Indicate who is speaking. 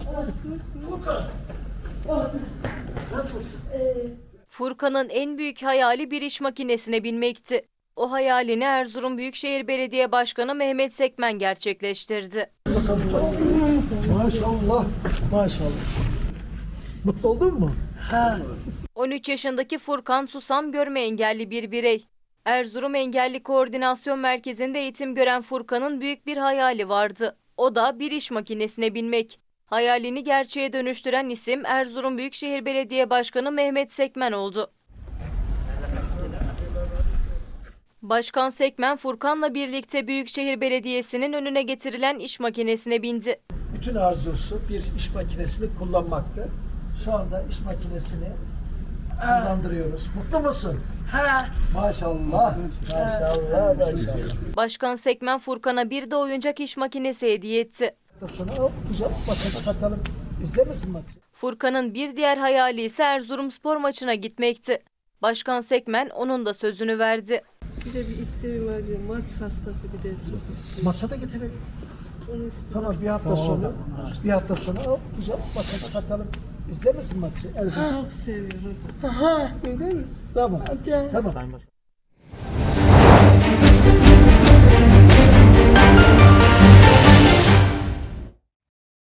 Speaker 1: Furkan. Nasılsın?
Speaker 2: Furkan'ın en büyük hayali bir iş makinesine binmekti. O hayalini Erzurum Büyükşehir Belediye Başkanı Mehmet Sekmen gerçekleştirdi.
Speaker 1: Maşallah. Maşallah. Mutlu oldun mu?
Speaker 2: 13 yaşındaki Furkan susam görme engelli bir birey. Erzurum Engelli Koordinasyon Merkezi'nde eğitim gören Furkan'ın büyük bir hayali vardı. O da bir iş makinesine binmek. Hayalini gerçeğe dönüştüren isim Erzurum Büyükşehir Belediye Başkanı Mehmet Sekmen oldu. Başkan Sekmen, Furkan'la birlikte Büyükşehir Belediyesi'nin önüne getirilen iş makinesine bindi.
Speaker 1: Bütün arzusu bir iş makinesini kullanmaktı. Şu anda iş makinesini kullandırıyoruz. Mutlu musun? Maşallah. Maşallah. Maşallah.
Speaker 2: Başkan Sekmen, Furkan'a bir de oyuncak iş makinesi hediye etti.
Speaker 1: Sonra hop güzel maça çıkartalım. İzler misin maçı?
Speaker 2: Furkan'ın bir diğer hayali ise Erzurumspor maçına gitmekti. Başkan Sekmen onun da sözünü verdi.
Speaker 3: Bir de bir isteğim var diyor. Maç hastası bir de çok istiyor.
Speaker 1: Maça da getirelim.
Speaker 3: Onu istiyor.
Speaker 1: Tamam bir hafta sonra hop güzel maça çıkartalım. İzler misin maçı?
Speaker 3: Çok seviyor hocam.
Speaker 1: Öyle mi? Tamam.
Speaker 3: Hadi.
Speaker 1: Tamam.